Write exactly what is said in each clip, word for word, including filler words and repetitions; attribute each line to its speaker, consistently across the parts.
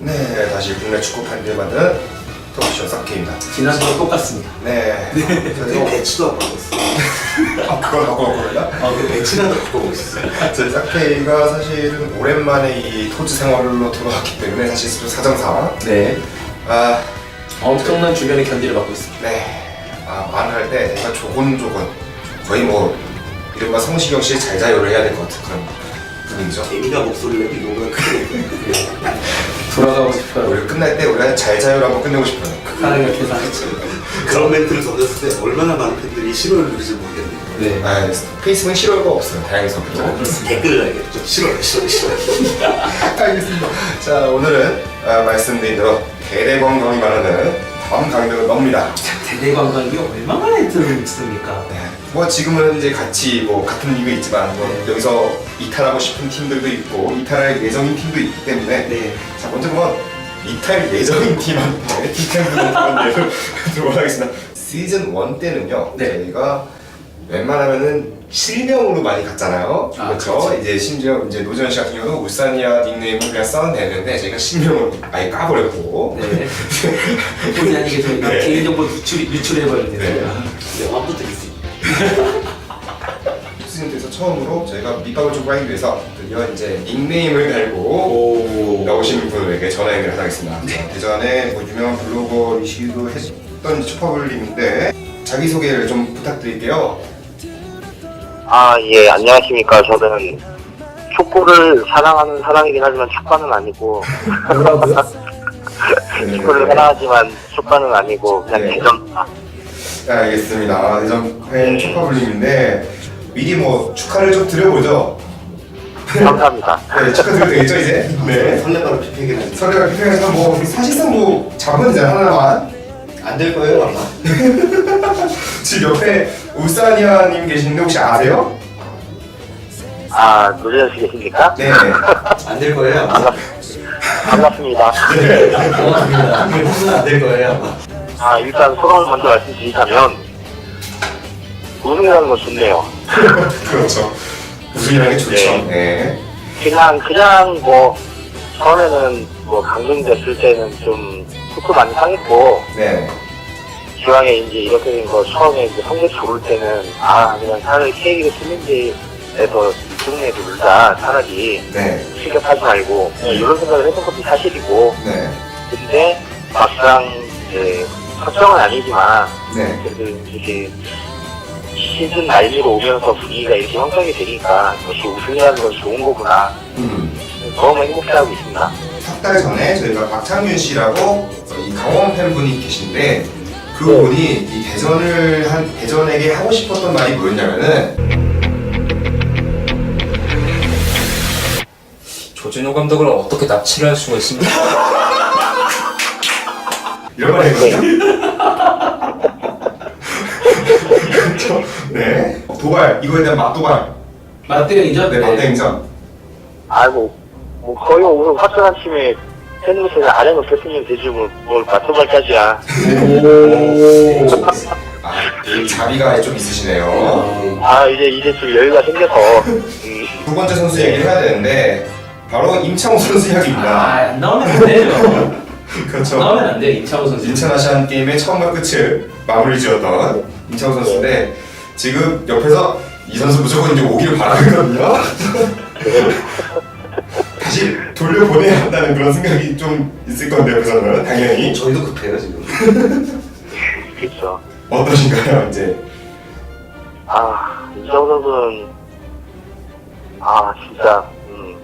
Speaker 1: 네, 다시 국내 축구 팬들 만든 토크쇼 싹케입니다.
Speaker 2: 지난주와 똑같습니다.
Speaker 1: 네.
Speaker 3: 네.
Speaker 1: 저희
Speaker 3: 배치도 안 바꿨어.
Speaker 1: 아, 그걸 바꿔봤거든요?
Speaker 3: 아, 그 배치는 바꾸고 있었어요.
Speaker 1: 저희 싹케이가 사실은 오랜만에 이 토즈 생활로 돌아왔기 때문에 사실 좀 사정상
Speaker 2: 네.
Speaker 1: 아,
Speaker 2: 엄청난 주변의 견디를 받고 있습니다.
Speaker 1: 네. 아, 말할 때 제가 조곤조곤 거의 뭐 이른바 성시경 씨의 잘 자요를 해야 될 것 같은 그런 분위기죠.
Speaker 3: 개미가 목소리를 내기 너무 크게.
Speaker 2: 돌아가고 싶어요.
Speaker 1: 우리 끝날 때 우리가 잘 자요를 한번 끝내고 싶어요.
Speaker 2: 사랑의 계산했죠.
Speaker 3: 그런 멘트를 던졌을 때 얼마나 많은 팬들이 싫어를 누릴지 모르겠네요.
Speaker 2: 네.
Speaker 1: 아, 페이스북은 싫어요가 없어요. 다행히
Speaker 3: 댓글을 알겠죠. 싫어요, 싫어요, 싫어요.
Speaker 1: 알겠습니다. 자, 오늘은 아, 말씀드린 대로 대대관광이 말하는 다음 강릉은 멉니다.
Speaker 2: 대대관광이 얼마만에 들었습니까?
Speaker 1: 네. 뭐 지금은 이제 같이 뭐 같은 리그에 있지만 뭐
Speaker 2: 네.
Speaker 1: 여기서 이탈하고 싶은 팀들도 있고 이탈할 예정인 팀도 있기 때문에
Speaker 2: 네.
Speaker 1: 자, 먼저 한번 이탈 예정인 팀한테 팀들도 한번 예를 들어보도록 하겠습니다. 시즌 일 때는요,
Speaker 2: 네.
Speaker 1: 저희가 웬만하면은 실명으로 많이 갔잖아요.
Speaker 2: 아,
Speaker 1: 그렇죠?
Speaker 2: 그렇죠.
Speaker 1: 이제 심지어 이제 노지현 씨 같은 경우는 울산이야 닉네임을 그냥 써내는데 저희가 실명을 아예 까버렸고.
Speaker 2: 네. 본의 아니게 저희가
Speaker 1: 네.
Speaker 2: 개인정보 유출, 유출해버렸네요.
Speaker 1: 네.
Speaker 3: 네, 완부터 있습니다.
Speaker 1: 시즌 때에서 처음으로 저희가 밑밥을 좀 깔기 위해서 드디어 이제 닉네임을 달고
Speaker 3: 오.
Speaker 1: 나오신 분에게 전화 연결을 하겠습니다.
Speaker 2: 네.
Speaker 1: 예전에 뭐 유명한 블로거이시기도 했던 초파블님인데 자기소개를 좀 부탁드릴게요.
Speaker 4: 아, 예, 안녕하십니까. 저는 축구를 사랑하는 사람이긴 하지만 축가는 아니고,
Speaker 2: 뭐라고요?
Speaker 4: 축구를 사랑하지만 축가는 아니고, 그냥
Speaker 1: 네.
Speaker 4: 대전,
Speaker 1: 네, 알겠습니다. 예전 팬 초파블님인데 미리 뭐 축하를 좀 드려보죠.
Speaker 4: 감사합니다.
Speaker 1: 네, 축하드려도 되겠죠 이제? 네.
Speaker 3: 설레바로 피폐기는
Speaker 1: 서류가 필요해서 뭐 사실상 뭐 잡으면 되잖아 하나만.
Speaker 3: 안될 거예요, 아마.
Speaker 1: 지금 옆에 울산이아님 계시는데 혹시 아세요?
Speaker 4: 아, 노재현 씨 계십니까?
Speaker 1: 네.
Speaker 3: 안 될 거예요, 아마.
Speaker 4: 반갑, 반갑습니다.
Speaker 3: 고맙습니다. 안될 거예요, 아마.
Speaker 4: 아, 일단 소감을 먼저 말씀드리자면, 우승이라는 건 좋네요.
Speaker 1: 그렇죠. 우승이라는 게 좋죠.
Speaker 4: 네.
Speaker 1: 네.
Speaker 4: 그냥, 그냥 뭐, 처음에는 뭐, 강등됐을 때는 좀, 축구 많이 상했고,
Speaker 1: 네.
Speaker 4: 기왕에 이제 이렇게 된 거 처음에 이제 성적 좋을 때는 아 그냥 차라리 K리그 챌린지에서 이승에 놀자 차라리
Speaker 1: 네.
Speaker 4: 실격하지 말고 이런 생각을 했던 것도 사실이고
Speaker 1: 네.
Speaker 4: 근데 막상 이제 확정은 아니지만
Speaker 1: 네.
Speaker 4: 그래도 이렇게 시즌 말미로 오면서 분위기가 이렇게 형성이 되니까 역시 우승이라는 건 좋은 거구나
Speaker 1: 음.
Speaker 4: 너무 행복해하고 있습니다.
Speaker 1: 석 달 전에 저희가 박창윤 씨라고 이 강원 팬분이 계신데 그분이 이 대전을 한 대전에게 하고 싶었던 말이 뭐였냐면은
Speaker 5: 조진호 감독을 어떻게 납치를 할 수가 있습니까?
Speaker 1: 이런 말 했거든요. 그렇죠. 네. 도발 이거에 대한 맞도발.
Speaker 2: 맞대응이죠?
Speaker 1: 네, 맞대행전.
Speaker 4: 아이고 뭐 거의 오늘 확정한 팀에 팬들이 아래 놓겠으면 되지 뭐, 뭘 맞춰갈까지야.
Speaker 2: 오.
Speaker 1: 아, 이 자비가 좀 있으시네요.
Speaker 4: 아 이제 이제 좀 여유가 생겨서 음,
Speaker 1: 두 번째 선수 얘기를 해야 되는데 바로 임창호 선수
Speaker 2: 아,
Speaker 1: 이야기입니다.
Speaker 2: 안 나오면 안 돼요.
Speaker 1: 그렇죠.
Speaker 2: 나오면 안 돼요, 임창호 선수.
Speaker 1: 인천 아시안 게임의 처음과 끝을 마무리 지었던 임창호 선수인데 지금 옆에서 이 선수 무조건 이제 오기를 바라거든요. 다시 돌려보내야 한다는 그런 생각이 좀 있을 건데 옆에서는 당연히
Speaker 3: 저희도 급해요, 지금.
Speaker 4: 그렇죠.
Speaker 1: 어떠신가요 이제?
Speaker 4: 아 이정 선수는 아 진짜 음,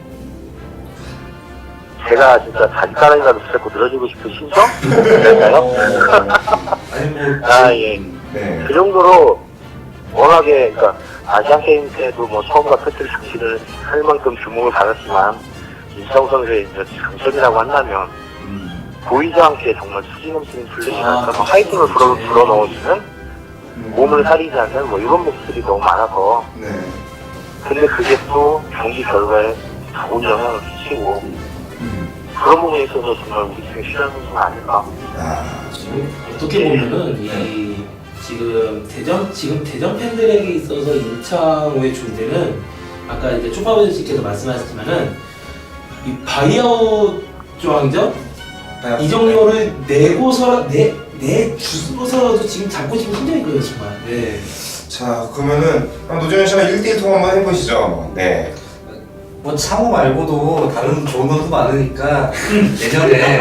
Speaker 4: 제가 진짜 자기가랑이라도 붙잡고 늘어지고 싶은 심정? 그럴까요?
Speaker 3: 아니, 뭐.
Speaker 4: 아 예.
Speaker 1: 네.
Speaker 4: 그 정도로 워낙에 그러니까 아시안 게임 때도 뭐 처음과 끝을 상실을 할 만큼 주목을 받았지만 이정 선수의 이제 장점이라고 한다면
Speaker 1: 음,
Speaker 4: 보이지 않게 정말 수지 넘치는 플래시나
Speaker 2: 아,
Speaker 4: 뭐 하이틴을 불어,
Speaker 2: 네.
Speaker 4: 불어 넣어주는
Speaker 1: 음,
Speaker 4: 몸을 사리지 않는 뭐 이런 모습들이 너무 많아서
Speaker 1: 네.
Speaker 4: 근데 그게 또 경기 결과에 좋은 영향을 끼치고
Speaker 1: 음,
Speaker 4: 그런 부분에 있어서 정말 우리 팀의 필요한 선수가 아닐까.
Speaker 1: 아,
Speaker 2: 어떻게 보면은 이 지금 대전 지금 대전 팬들에게 있어서 임창호의 존재는 아까 이제 초파버즈씨께서 말씀하셨지만은 이 바이아웃 조항전 이정료를 내고서 내 내주고서라도 지금 잡고 싶은 심정이거든요 정말. 네.
Speaker 1: 자 그러면은 노재현 씨랑 일 대일 통화 한번 해보시죠. 네.
Speaker 3: 뭐 창호 말고도 다른 좋은 선수 많으니까 내년에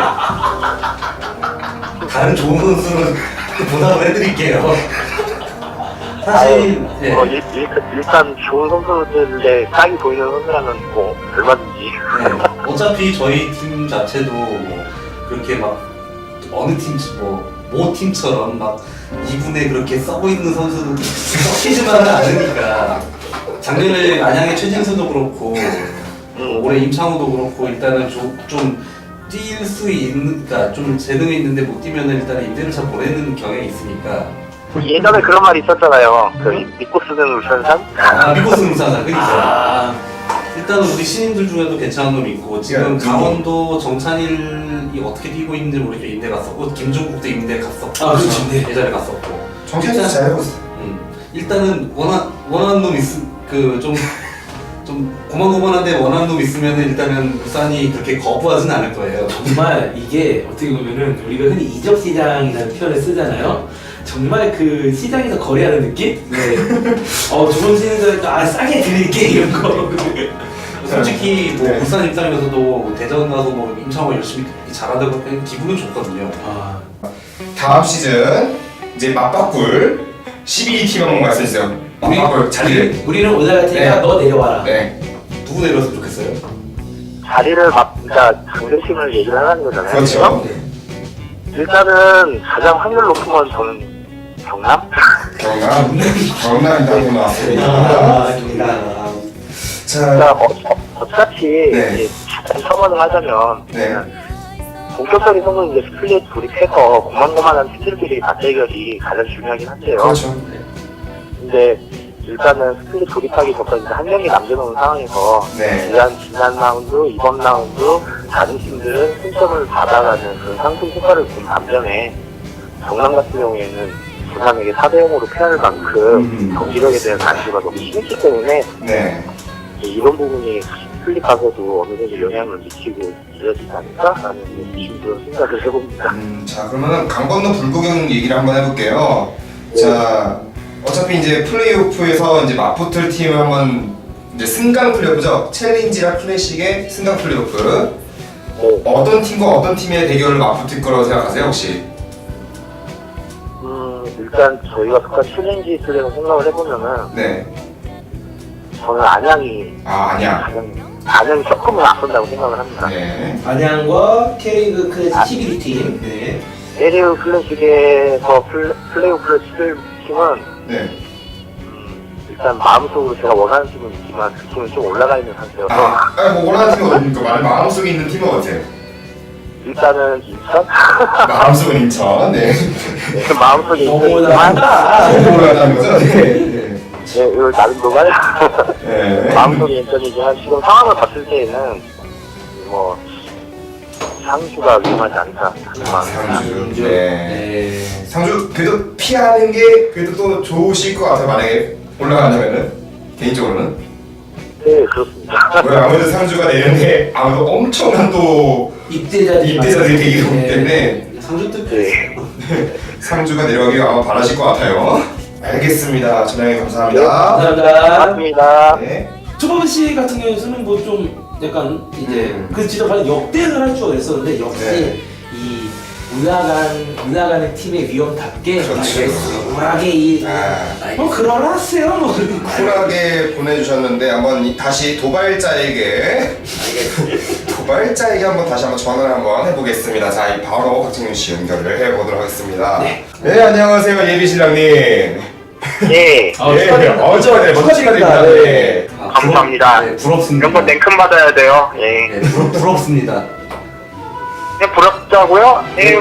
Speaker 3: 다른 좋은 선수는 보답을 해드릴게요. 사실 예.
Speaker 4: 뭐 일, 일, 일단 좋은 선수들의 싹이 보이는 선수라면 뭐 얼마든지.
Speaker 3: 네. 어차피 저희 팀 자체도 뭐 그렇게 막 어느 팀, 뭐, 모 팀처럼 막 이군에 그렇게 써고 있는 선수도 섞이지만은 않으니까 작년에 안양의 최진수도 그렇고 뭐 올해 임창우도 그렇고 일단은 좀, 좀 뛸 수 있는, 그러니까 좀 재능이 있는데 못 뛰면은 일단은 임대를 잘 보내는 경향이 있으니까.
Speaker 4: 예전에 그런 말이 있었잖아요. 그 믿고 쓰는 울산산?
Speaker 3: 아, 믿고 쓰는 사람, 그니까.
Speaker 2: 아,
Speaker 3: 일단은 우리 신인들 중에도 괜찮은 놈 있고 지금
Speaker 1: 네,
Speaker 3: 강원도 정찬일이 어떻게 뛰고 있는지 모르겠고 임대 갔었고 김종국도 임대 갔었고
Speaker 2: 아, 그렇죠. 네.
Speaker 3: 예전에 갔었고
Speaker 1: 정찬이 잘 해보고 있어.
Speaker 3: 음, 일단은 원한 원하는 놈 있으 그좀 좀 고만고만한데 원하는 놈 있으면 일단은 부산이 그렇게 거부하진 않을 거예요.
Speaker 2: 정말 이게 어떻게 보면은 우리가 흔히 이적 시장이라는 표현을 쓰잖아요. 정말 그 시장에서 거래하는 느낌? 네. 어 좋은 신인들 아 싸게 드릴게 이런 거.
Speaker 3: 솔직히 뭐
Speaker 1: 네.
Speaker 3: 부산 입장에서도 대전 가서 뭐 임창호 열심히 잘한다고 하면 기분은 좋거든요.
Speaker 2: 아
Speaker 1: 다음 시즌 이제 맞바꿀 십일 위 팀 한번 말씀해주세요. 맞바꿀 자리를.
Speaker 2: 우리는 올라갈 테니까
Speaker 1: 네.
Speaker 2: 너 내려와라.
Speaker 1: 네.
Speaker 3: 누구 내렸으면 좋겠어요?
Speaker 4: 자리를 막, 그러니까 강대팀을 얘기를 하는 거잖아요.
Speaker 1: 그렇죠.
Speaker 4: 일단은 가장 확률 높은 건 저는 경남?
Speaker 1: 경남. 경남 당구 나왔습니다.
Speaker 2: 아, 좋다.
Speaker 1: 자.
Speaker 4: 그러니까 어, 어, 어차피
Speaker 1: 네.
Speaker 4: 이제 첨언을 하자면
Speaker 1: 네.
Speaker 4: 본격적인 선수는 이제 스플릿 돌입해서 고만고만한 팀들끼리 맞대결이 가장 중요하긴 한데요.
Speaker 1: 그렇죠.
Speaker 4: 근데 일단은 스플릿 돌입하기 전까지 한 명이 남겨놓은 상황에서
Speaker 1: 네.
Speaker 4: 지난 지난 라운드, 이번 라운드 다른 팀들은 승점을 받아가는 그 상승 효과를 본 반면에 경남 같은 경우에는 부산에게 사 대 영으로 패할 만큼
Speaker 1: 음.
Speaker 4: 경기력에 대한 간주가 너무 심했기 때문에
Speaker 1: 네.
Speaker 4: 이런 부분이 스플릿 가서도 어느 정도 영향을 미치고 이어지지 않을까라는 심도 생각을 해봅니다.
Speaker 1: 음, 자 그러면은 강 건너 불구경 얘기를 한번 해볼게요. 자 어차피 이제 플레이오프에서 이제 맞붙을 팀을 한번 이제 승강 플레이오프죠. 챌린지랑 클래식의 승강 플레이오프.
Speaker 4: 네.
Speaker 1: 어떤 팀과 어떤 팀의 대결을 맞붙을 거라고 생각하세요 혹시?
Speaker 4: 음, 일단 저희가 속한 챌린지 플레이를 생각을 해보면은
Speaker 1: 네.
Speaker 4: 저는 안양이
Speaker 1: 아 아니야.
Speaker 4: 가장 안양이 조금은 앞선다고 생각을 합니다.
Speaker 1: 네.
Speaker 2: 안양과 K리그 클래식 십일 위 팀. 네.
Speaker 4: 에리오 클래식에서 플레, 플레이오프를 치를 팀은
Speaker 1: 네.
Speaker 4: 음, 일단 마음속으로 제가 원하는 팀은 있지만 그 팀은 좀 올라가 있는 상태여서
Speaker 1: 아, 아니, 뭐 원하는 팀은 어딥니까? 말 마음속에 있는 팀은 어때요?
Speaker 4: 일단은 인천?
Speaker 1: 마음속은 인천. 네.
Speaker 4: 네, 마음속에
Speaker 2: 너무
Speaker 4: 있지만
Speaker 2: 올라간다.
Speaker 1: 너무 올라가는 거죠? 네.
Speaker 4: 네, 이걸 나름 동안
Speaker 1: 네.
Speaker 4: 마음속에 인천이지만 지금 상황을 봤을 때에는 뭐 상주가 위험하지 않을까 하는 마음이
Speaker 1: 상주. 네.
Speaker 2: 네.
Speaker 1: 상주 그래도 피하는 게 그래도 또 좋으실 것 같아요. 만약에 올라간다면은 개인적으로는.
Speaker 4: 네, 그렇습니다.
Speaker 1: 왜 아무래도 상주가 내년에 아무래도 엄청난 또
Speaker 2: 입대자들이
Speaker 1: 입대자들이
Speaker 2: 많아요.
Speaker 1: 되기
Speaker 2: 네.
Speaker 1: 때문에
Speaker 3: 상주 뜻
Speaker 4: 네.
Speaker 1: 상주가 내려가길 아마 바라실 것 같아요. 알겠습니다. 전화해 감사합니다.
Speaker 2: 감사합니다.
Speaker 4: 고맙습니다.
Speaker 1: 네.
Speaker 2: 초범 씨 같은 경우에는 뭐 좀 약간 이제
Speaker 1: 음.
Speaker 2: 그 진짜 과연 역대를 할 줄 알았었는데 역시
Speaker 1: 네.
Speaker 2: 이 올라간 올라가는 팀의 위험답게
Speaker 1: 그렇죠.
Speaker 2: 쿨하게 이
Speaker 1: 아,
Speaker 2: 뭐 그러라 하세요 뭐
Speaker 1: 쿨하게 보내주셨는데 한번 이- 다시 도발자에게 도발자에게 한번 다시 한번 전화를 한번 해보겠습니다. 자, 이 바로 박진윤 씨 연결을 해보도록 하겠습니다.
Speaker 2: 네.
Speaker 1: 네, 안녕하세요 예비 신랑님.
Speaker 4: 예,
Speaker 2: 아,
Speaker 1: 예,
Speaker 2: 축하드립니다.
Speaker 1: 어저 네, 먼저 축하드립니다. 네.
Speaker 3: 아,
Speaker 4: 감사합니다.
Speaker 3: 네, 부럽습니다.
Speaker 4: 이런 거 냉큼 받아야 돼요. 예.
Speaker 3: 네, 부럽, 부럽습니다.
Speaker 4: 네, 부럽다고요? 예,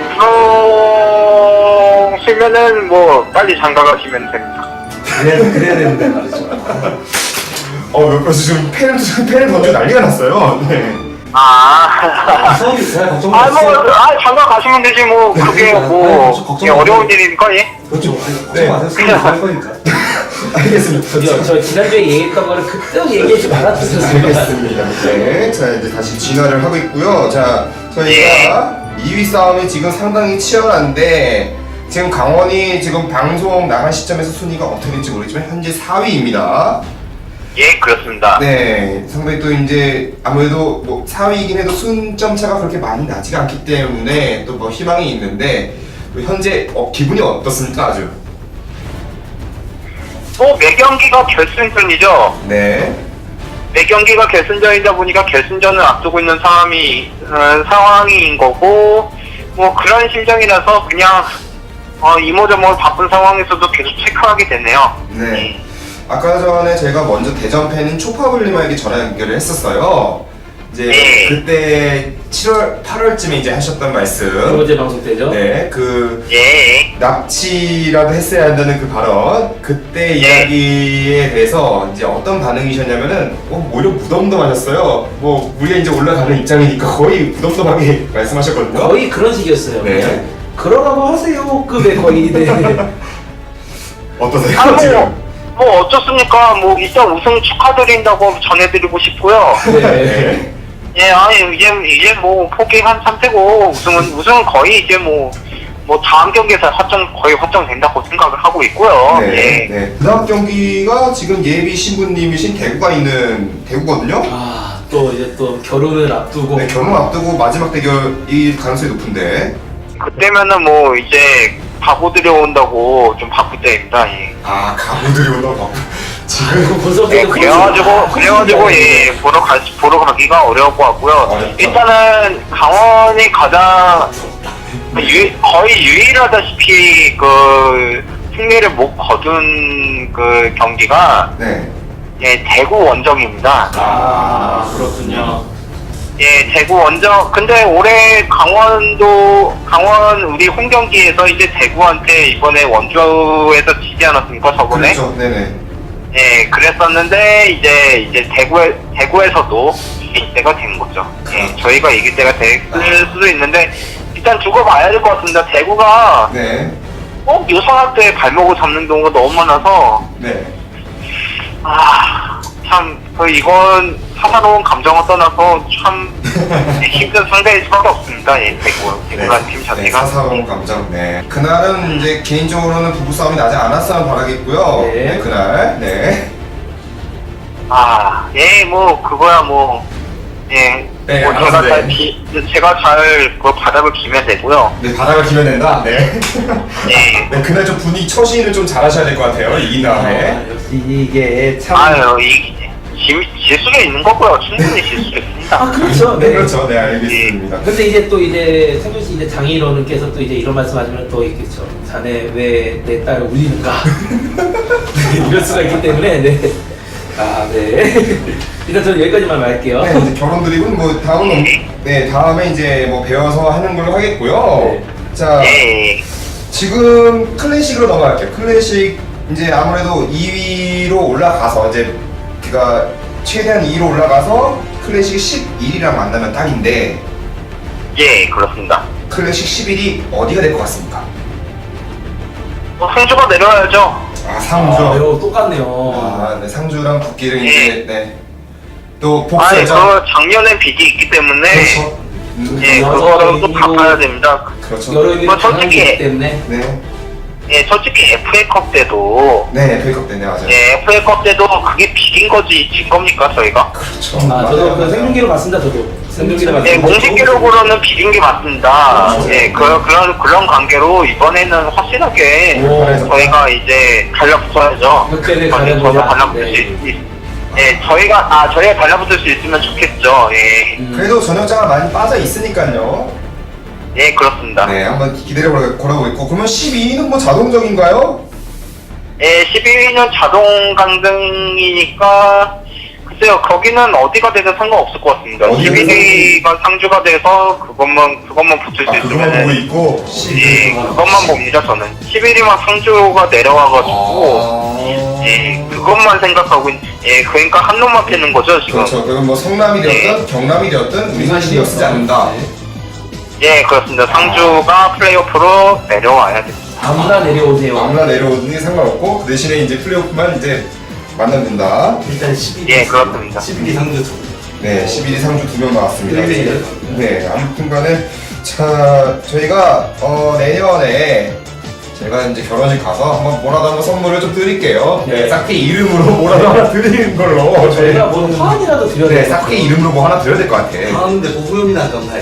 Speaker 4: 부러우시면은 뭐 빨리 장가 가시면 됩니다.
Speaker 3: 그래야, 그래야 되는데 말이죠.
Speaker 1: 어, 옆에서 지금 펜을 펜을 던져 난리가 났어요. 네.
Speaker 4: 아,
Speaker 3: 수업이 잘 걱정
Speaker 4: 아, 뭐,
Speaker 3: 마세요.
Speaker 4: 아, 장가 가시면 되지 뭐 그게
Speaker 3: 아니,
Speaker 4: 뭐
Speaker 3: 저 걱정
Speaker 4: 예, 어려운
Speaker 3: 마세요.
Speaker 4: 일이니까 예.
Speaker 3: 그렇죠. 아니, 걱정
Speaker 1: 네.
Speaker 3: 마세요. 수업이 할 거니까.
Speaker 1: 알겠습니다.
Speaker 2: 저기요 저 지난주에 얘기했던 거를 그때 얘기하지 말았었어요.
Speaker 1: 알겠습니다. 네, 자 이제 다시 진화를 하고 있고요. 자, 저희가 이 위 싸움이 지금 상당히 치열한데 지금 강원이 지금 방송 나간 시점에서 순위가 어떻게 될지 모르겠지만 현재 사 위입니다.
Speaker 4: 예, 그렇습니다.
Speaker 1: 네, 상당히 또 이제 아무래도 뭐 사 위이긴 해도 순점 차가 그렇게 많이 나지가 않기 때문에 또 뭐 희망이 있는데 또 현재 어, 기분이 어떻습니까 아주?
Speaker 4: 뭐, 매 경기가 결승전이죠.
Speaker 1: 네.
Speaker 4: 매 경기가 결승전이다 보니까 결승전을 앞두고 있는 상황이, 어, 상황인 거고, 뭐, 그런 심정이라서 그냥, 어, 이모저모 바쁜 상황에서도 계속 체크하게 되네요.
Speaker 1: 네. 아까 전에 제가 먼저 대전 팬인 초파블리마에게 전화 연결을 했었어요. 이제
Speaker 4: 네.
Speaker 1: 그때 칠월, 팔월쯤에 이제 하셨던
Speaker 2: 두
Speaker 1: 말씀.
Speaker 2: 번째 방송 때죠.
Speaker 1: 네, 그
Speaker 4: 예.
Speaker 1: 납치라도 했어야 한다는 그 발언. 그때
Speaker 4: 네.
Speaker 1: 이야기에 대해서 이제 어떤 반응이셨냐면은 어, 오히려 무덤덤하셨어요. 뭐 우리가 이제 올라가는 입장이니까 거의 무덤덤하게 말씀하셨거든요.
Speaker 2: 거의 그런 식이었어요.
Speaker 1: 네.
Speaker 2: 그냥 그러라고 하세요. 급의 거의. 네.
Speaker 1: 어떠세요
Speaker 4: 아,
Speaker 1: 지금?
Speaker 4: 뭐, 뭐 어쩌습니까? 뭐 일단 우승 축하드린다고 전해드리고 싶고요.
Speaker 2: 네.
Speaker 4: 예, 아니 이제 이제 뭐 포기한 상태고 우승은 우승은 거의 이제 뭐 뭐 다음 경기에서 확정 거의 확정된다고 생각을 하고 있고요.
Speaker 1: 네,
Speaker 4: 예.
Speaker 1: 네. 그 다음 경기가 지금 예비 신부님이신 대구가 있는 대구거든요.
Speaker 2: 아, 또 이제 또 결혼을 앞두고.
Speaker 1: 네, 결혼 앞두고 마지막 대결이 가능성이 높은데.
Speaker 4: 그때면은 뭐 이제 바보들이 온다고 좀 바쁠 때입니다. 예.
Speaker 1: 아, 가구들이 온다고 바쁘. 지금.
Speaker 2: 벌써
Speaker 4: 예, 그래가지고 그래가지고 예 보러 가 보러 가기가 어려울 것 같고요.
Speaker 1: 어렵죠.
Speaker 4: 일단은 강원이 가장 유, 거의 유일하다시피 그 승리를 못 거둔 그 경기가
Speaker 1: 네.
Speaker 4: 예 대구 원정입니다.
Speaker 2: 아, 그렇군요.
Speaker 4: 예 대구 원정. 근데 올해 강원도 강원 우리 홈 경기에서 이제 대구한테 이번에 원주에서 지지 않았습니까 저번에?
Speaker 1: 그렇죠. 네네.
Speaker 4: 예, 그랬었는데 이제 이제 대구에 대구에서도 이길 때가 된 거죠. 예, 저희가 이길 때가 됐을 수도 있는데 일단 두고 봐야 될 것 같습니다. 대구가
Speaker 1: 네.
Speaker 4: 꼭 유성학 때 발목을 잡는 경우가 너무 많아서
Speaker 1: 네.
Speaker 4: 아, 참 그 이건 사사로운 감정을 떠나서 참 힘든 상대일 수밖에 없습니다. 예, 대구 대구라는 팀
Speaker 1: 네,
Speaker 4: 자체가.
Speaker 1: 사사로운 감정. 네. 그날은 이제 개인적으로는 부부 싸움이 나지 않았으면 바라겠고요.
Speaker 2: 네.
Speaker 1: 네. 그날. 네.
Speaker 4: 아, 예, 뭐 그거야 뭐 예.
Speaker 1: 네,
Speaker 4: 뭐
Speaker 1: 알아서
Speaker 4: 제가
Speaker 1: 네.
Speaker 4: 잘 비, 제가 잘그 바닥을 기면 되고요.
Speaker 1: 네, 바닥을 기면 된다. 네.
Speaker 4: 예.
Speaker 1: 네, 그날 좀 분위기 처신을 좀 잘하셔야 될 것 같아요. 이긴 다음에.
Speaker 2: 아, 역시 이게 참.
Speaker 4: 아유, 이 질, 질 수도 있는 거고요. 충분히 질 수도 있습니다.
Speaker 2: 아, 그렇죠.
Speaker 1: 네,
Speaker 2: 네.
Speaker 1: 그렇죠. 네, 알겠습니다.
Speaker 2: 근데 이제 또 이제 생준 씨 이제 장인어른께서 또 이제 이런 말씀하시면 또 있겠죠. 자네 왜 내 딸을 울리는가? 이럴 수가 있기 때문에 네. 아 네. 일단 저는 여기까지만 말할게요.
Speaker 1: 네, 이제 결혼 드리고 뭐 다음은 네, 다음에 이제 뭐 배워서 하는 걸로 하겠고요.
Speaker 2: 네.
Speaker 1: 자,
Speaker 4: 예.
Speaker 1: 지금 클래식으로 넘어갈게요. 클래식 이제 아무래도 이 위로 올라가서 이제 그가 최대한 이 위로 올라가서 클래식 십일 위랑 만나면 딱인데
Speaker 4: 예, 그렇습니다.
Speaker 1: 클래식 십일 위 어디가 될 것 같습니까?
Speaker 4: 뭐 상주가 내려와야죠.
Speaker 1: 아, 상주.
Speaker 2: 아, 이거 똑같네요.
Speaker 1: 아, 네, 상주랑 국기를
Speaker 4: 예.
Speaker 1: 이제 네. 또
Speaker 4: 아니,
Speaker 1: 복수죠.
Speaker 4: 그 작년에 빚이 있기 때문에
Speaker 1: 그렇죠. 음,
Speaker 4: 예,
Speaker 2: 여러
Speaker 4: 그거를 또
Speaker 2: 의미로-
Speaker 4: 갚아야 됩니다.
Speaker 1: 그렇죠.
Speaker 2: 여러 의미로
Speaker 4: 뭐 솔직히-
Speaker 2: 강하기 때문에.
Speaker 1: 네.
Speaker 4: 예, 솔직히 에프에이컵 때도
Speaker 1: 네, 페이컵 때네 맞아요.
Speaker 4: 예, 에프에이컵 때도 그게 빚인 거지 진 겁니까 저희가?
Speaker 1: 그렇죠.
Speaker 2: 아, 저도 그 생중계로 봤습니다. 저도 생중계로
Speaker 4: 예,
Speaker 2: 봤습니다.
Speaker 4: 공식 기록으로는 빚인 게 맞습니다.
Speaker 1: 그렇죠.
Speaker 4: 예, 그, 그런, 그런 관계로 이번에는 확실하게
Speaker 2: 오.
Speaker 4: 저희가 이제 달라붙어야죠.
Speaker 2: 그때는
Speaker 4: 저희
Speaker 2: 달라보자.
Speaker 4: 저도 달라붙을
Speaker 2: 네.
Speaker 4: 수 있, 예, 저희가, 아, 저희가 달라붙을 수 있으면 좋겠죠. 예,
Speaker 2: 음.
Speaker 1: 그래도 전역자가 많이 빠져 있으니까요.
Speaker 4: 예, 그렇습니다.
Speaker 1: 네, 한번 기대를 걸어- 걸어보겠고 그러면 십이 위는 뭐 자동적인가요?
Speaker 4: 예, 십이 위는 자동 강등이니까, 글쎄요, 거기는 어디가 되든 상관없을 것 같습니다.
Speaker 1: 어디가
Speaker 4: 십일 위가 상주가 돼서 그것만, 그것만 붙을 수
Speaker 1: 아, 그거만 보고
Speaker 4: 있으면,
Speaker 1: 있고
Speaker 4: 예, 그것만 봅니다, 저는. 십일 위만 상주가 내려와가지고,
Speaker 1: 아...
Speaker 4: 예, 그것만 생각하고, 있- 예, 그러니까 한 놈만 패는 거죠, 지금.
Speaker 1: 그렇죠. 그건 뭐 성남이 되었든 경남이 되었든 우리는 신경 쓰지 않는다.
Speaker 2: 네.
Speaker 4: 예, 그렇습니다. 상주가 플레이오프로 내려와야 됩니다.
Speaker 2: 아무나 내려오세요.
Speaker 1: 아무나 내려오든지 상관없고 그 대신에 이제 플레이오프만 이제 만나면 된다.
Speaker 2: 일단 십일 위.
Speaker 4: 예, 그렇습니다.
Speaker 3: 십일 위 상주 두
Speaker 1: 네, 십일 위 상주 두 명 나왔습니다.
Speaker 2: 네.
Speaker 1: 네, 아무튼간에 자, 저희가 어, 내년에 제가 이제 결혼식 가서 한번 뭐라도 한번 선물을 좀 드릴게요. 네,
Speaker 2: 네.
Speaker 1: 싹게 이름으로 뭐라도 하나 드리는 걸로.
Speaker 2: 저희가 뭐 화환이라도 드려야
Speaker 1: 네,
Speaker 2: 될것
Speaker 1: 싹게
Speaker 2: 같아요.
Speaker 1: 이름으로 뭐 하나 드려야 될 것 같아.
Speaker 3: 하는데 뭐 후렴이나 안 감사해.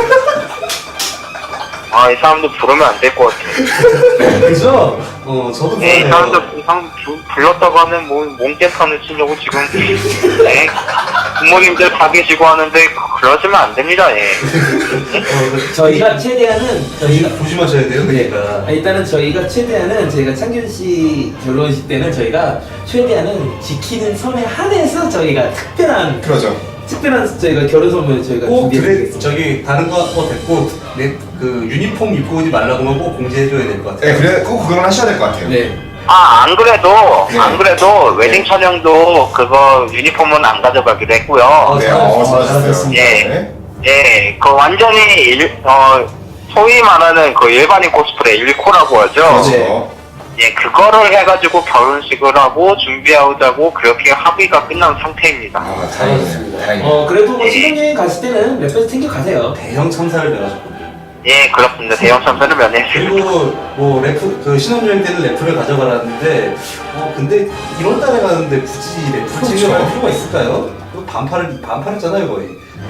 Speaker 4: 아, 이 사람도 부르면 안 될 것 같아.
Speaker 3: 그죠? 어, 저도
Speaker 4: 네, 이
Speaker 3: 그러네요.
Speaker 4: 사람도 이상 불렀다고 하면 뭐 몸개판을 치려고 지금 네, 부모님들 다 계시고 하는데 그러시면 안 됩니다. 예.
Speaker 2: 저희가 최대한은 저희가
Speaker 3: 조심하셔야 돼요.
Speaker 2: 네.
Speaker 3: 그러니까.
Speaker 2: 아, 일단은 저희가 최대한은 저희가 창균 씨 결혼식 때는 저희가 최대한은 지키는 선에 한해서 저희가 특별한
Speaker 1: 그러죠.
Speaker 2: 특별한 저희가 결혼 선물 저희가
Speaker 3: 꼭 드레,
Speaker 2: 준비해드리겠습니다.
Speaker 3: 저기 다른 거 뭐 됐고 내 그 유니폼 입고 오지 말라고만 꼭 공지해줘야 될 것 같아요.
Speaker 1: 네, 그래 꼭 그건 하셔야 될 것 같아요.
Speaker 2: 네.
Speaker 4: 아, 안 그래도
Speaker 1: 네.
Speaker 4: 안 그래도 웨딩 촬영도 그거 유니폼은 안 가져가기로 했고요.
Speaker 3: 어,
Speaker 1: 네,
Speaker 3: 잘하셨습니다.
Speaker 1: 어, 잘하셨어요.
Speaker 2: 잘하셨습니다.
Speaker 1: 네.
Speaker 4: 예, 그 완전히 일, 어 소위 말하는 그 일반인 코스프레 일코라고 하죠.
Speaker 1: 그렇죠.
Speaker 4: 예, 그거를 해가지고 결혼식을 하고 준비하자고 그렇게 합의가 끝난 상태입니다.
Speaker 1: 아, 다행이네요. 다행이네요.
Speaker 2: 어 그래도 뭐 신혼여행 갔을 때는 몇 배 챙겨 가세요.
Speaker 3: 대형 참사를 면하셨거든요.
Speaker 4: 예, 그렇습니다. 대형 참사를 면했습니다.
Speaker 3: 그리고 뭐 래프 그 신혼여행 때는 래프를 가져가라는데 어 근데 일월 달에 가는데 굳이 래프
Speaker 1: 그렇죠.
Speaker 3: 챙겨갈 필요가 있을까요? 그 반팔을 반팔했잖아요 거의.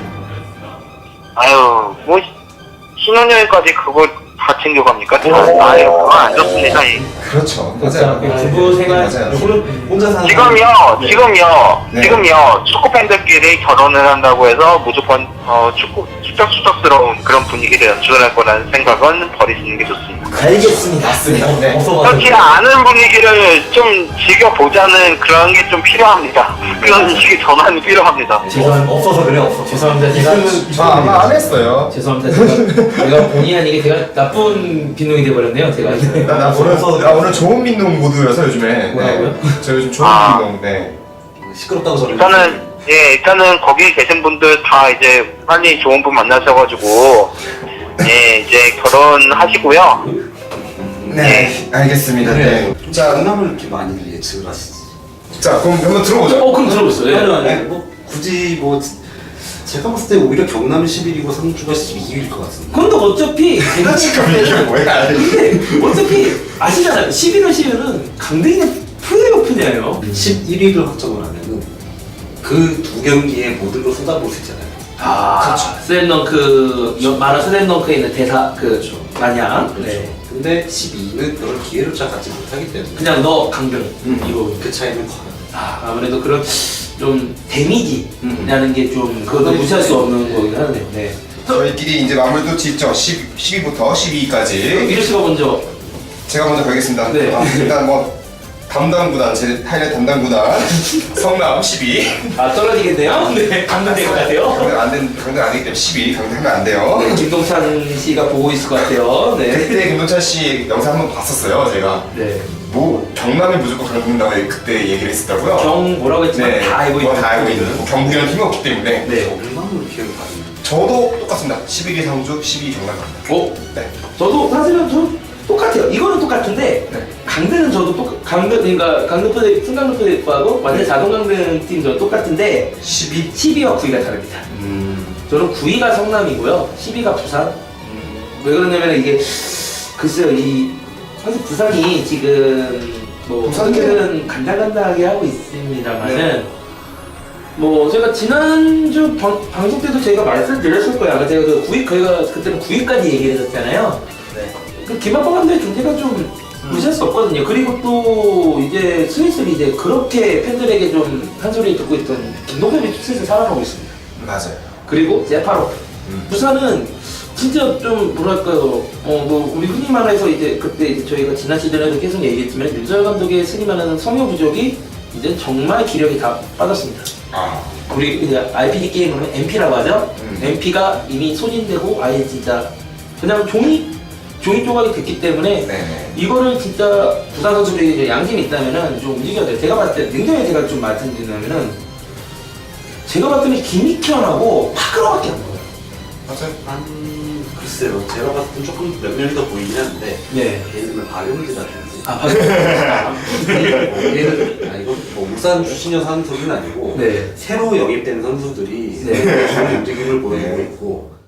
Speaker 4: 아유, 뭐 신혼여행까지 그걸 다 챙겨갑니까? 저,
Speaker 1: 오.
Speaker 4: 아유, 그건 안 좋습니다. 예.
Speaker 1: 그렇죠.
Speaker 2: 그렇죠.
Speaker 1: 맞아요.
Speaker 2: 부부 생활
Speaker 1: 맞아요.
Speaker 2: 요거는
Speaker 3: 혼자 사는
Speaker 4: 지금요,
Speaker 3: 네.
Speaker 4: 지금요,
Speaker 1: 네.
Speaker 4: 지금요, 축구 팬들끼리 결혼을 한다고 해서 무조건 어, 축구 추적추적스러운 그런 분위기를 연출할 거라는 생각은 버리시는 게 좋습니다.
Speaker 2: 알겠습니다.
Speaker 1: 맞습니다. 네.
Speaker 3: 어서
Speaker 4: 그렇지 않은 분위기를 좀 즐겨보자는 그런 게 좀 필요합니다. 그런 식의 전환이 필요합니다.
Speaker 2: 죄송-
Speaker 3: 없어서 그래 없어.
Speaker 2: 죄송합니다. 제가
Speaker 3: 있으면
Speaker 1: 저 아마 안 했어요.
Speaker 2: 죄송합니다. 제가 제가 본의 아니게 제가 나쁜 빈둥이 돼버렸네요. 제가
Speaker 1: 나, 나 오늘 나 오늘 좋은 민농 모드여서 요즘에.
Speaker 2: 뭐라고요?
Speaker 1: 네. 저 요즘 좋은
Speaker 4: 아.
Speaker 1: 민농. 네.
Speaker 3: 시끄럽다고 저를.
Speaker 4: 일단은 예, 일단은 거기 계신 분들 다 이제 빨리 좋은 분 만나셔가지고 예, 이제 결혼하시고요.
Speaker 1: 네. 알겠습니다. 네.
Speaker 3: 자, 장남을 이렇게 많이 예측을 하시지.
Speaker 1: 자, 그럼 한번 들어보죠.
Speaker 2: 어 그럼 들어보세요.
Speaker 3: 아니,
Speaker 2: 네.
Speaker 3: 아니, 뭐 굳이 뭐 제가 봤을 때 오히려 경남이 십 일이고 상주가 십이 일일 것 같은데.
Speaker 2: 근데 어차피 제가
Speaker 1: 지금 이게
Speaker 2: 생각할
Speaker 1: 뭐야?
Speaker 2: 때는 근데 어차피 아시잖아요. 십일월 십일은 강등의 플레이오프냐요.
Speaker 3: 십일 일을 확정을 하면은 그 두 경기에 모든 걸 쏟아부을 수 있잖아요.
Speaker 2: 아, 슬램덩크 여- 만화 슬램덩크에 있는 대사 그 마냥
Speaker 3: 그렇죠.
Speaker 2: 네.
Speaker 3: 근데 십이 일은 그런 기회조차 갖지 못하기 때문에
Speaker 2: 그냥 너 강등
Speaker 3: 음,
Speaker 2: 이거
Speaker 3: 그 차이는 커요.
Speaker 2: 아, 아무래도 그런 좀 데미지라는 게 좀 그것도
Speaker 3: 네.
Speaker 2: 무시할 수 없는 거긴 하네요. 네.
Speaker 1: 저희끼리 이제 마무리도 짓죠. 십, 십이부터 십이까지.
Speaker 2: 미르 씨가 먼저
Speaker 1: 제가 먼저 가겠습니다.
Speaker 2: 네.
Speaker 1: 아, 일단 뭐 담당 구단, 제 타이레 담당 구단 성남 십이.
Speaker 2: 아 떨어지겠네요. 네, 강등될 것 같아요.
Speaker 1: 강등 안 된, 강등 안 되기 때문에 십이 강등하면 안 돼요.
Speaker 2: 네, 김동찬 씨가 보고 있을 것 같아요. 네.
Speaker 1: 그때 김동찬 씨 영상 한번 봤었어요, 제가.
Speaker 2: 네.
Speaker 1: 뭐 경남이 무조건 강등다고 그때 얘기를 했었다고요.
Speaker 2: 경 뭐라고 했지만
Speaker 1: 네,
Speaker 2: 다 알고
Speaker 1: 뭐
Speaker 2: 있는
Speaker 1: 다 알고 있는. 뭐 경북이라는 팀이 없기 때문에.
Speaker 2: 네.
Speaker 3: 얼마나 기회를 가지면.
Speaker 1: 저도 똑같습니다. 십일 위 상주, 십이 위 경남 갑니다.
Speaker 2: 어?
Speaker 1: 네.
Speaker 2: 저도 사실은 좀 똑같아요. 이거는 똑같은데
Speaker 1: 네.
Speaker 2: 강등은 저도 똑 강등 그러니까 강등 프레 순간등 프레이프하고 완전 자동 강등 팀 저도 똑같은데
Speaker 1: 십이.
Speaker 2: 십이와 구 위가 다릅니다.
Speaker 1: 음.
Speaker 2: 저는 구 위가 성남이고요. 십 위가 부산.
Speaker 1: 음.
Speaker 2: 왜 그러냐면 이게 글쎄요 이 사실 부산이 지금 뭐
Speaker 1: 부산은-
Speaker 2: 어떻게든 간당간당하게 하고 있습니다만은 뭐 제가 지난주 방, 방송 때도 제가 말씀드렸을 거예요. 아까 제가 그 구 위 저희가 그때는 구 위까지 얘기를 했었잖아요.
Speaker 3: 네.
Speaker 2: 그 김학범 감독의 존재가 좀 무시할 수 없거든요. 그리고 또 이제 슬슬 이제 그렇게 팬들에게 좀 한 소리 듣고 있던 김동현이 슬슬 살아나고 있습니다.
Speaker 1: 맞아요.
Speaker 2: 그리고 제파로
Speaker 1: 음.
Speaker 2: 부산은 진짜 좀 뭐랄까요 어뭐 우리 흔히 말해서 이제 그때 이제 저희가 지난 시즌에도 계속 얘기했지만 윤설 감독의 흔히 말하는 성역 부족이 이제 정말 기력이 다 빠졌습니다.
Speaker 1: 아.
Speaker 2: 우리 이제 알피지 게임은 엠피라고 하죠.
Speaker 1: 음.
Speaker 2: 엠피가 이미 소진되고 아예 진짜 그냥 종이 종이 조각이 됐기 때문에
Speaker 1: 네.
Speaker 2: 이거를 진짜 부산 선수들이 이제 양심이 있다면은 좀 움직여야 돼요. 제가 봤을 때 냉정히 제가 좀 말씀드리냐면은 제가 봤을 때는 김익현하고 파크로밖에 안 보여요.
Speaker 1: 맞아요.
Speaker 3: 한 글쎄요. 제가 봤을 땐 조금 몇 명이 더 보이긴 한데
Speaker 2: 네.
Speaker 3: 얘는 박용기라든지.
Speaker 2: 아 파크.
Speaker 3: 뭐 얘는 아 이건 뭐 울산 출신이어서 하는 소리는 아니고
Speaker 2: 네.
Speaker 3: 새로 영입된 선수들이
Speaker 2: 네.
Speaker 3: 좋은 움직임을 보여주고 있고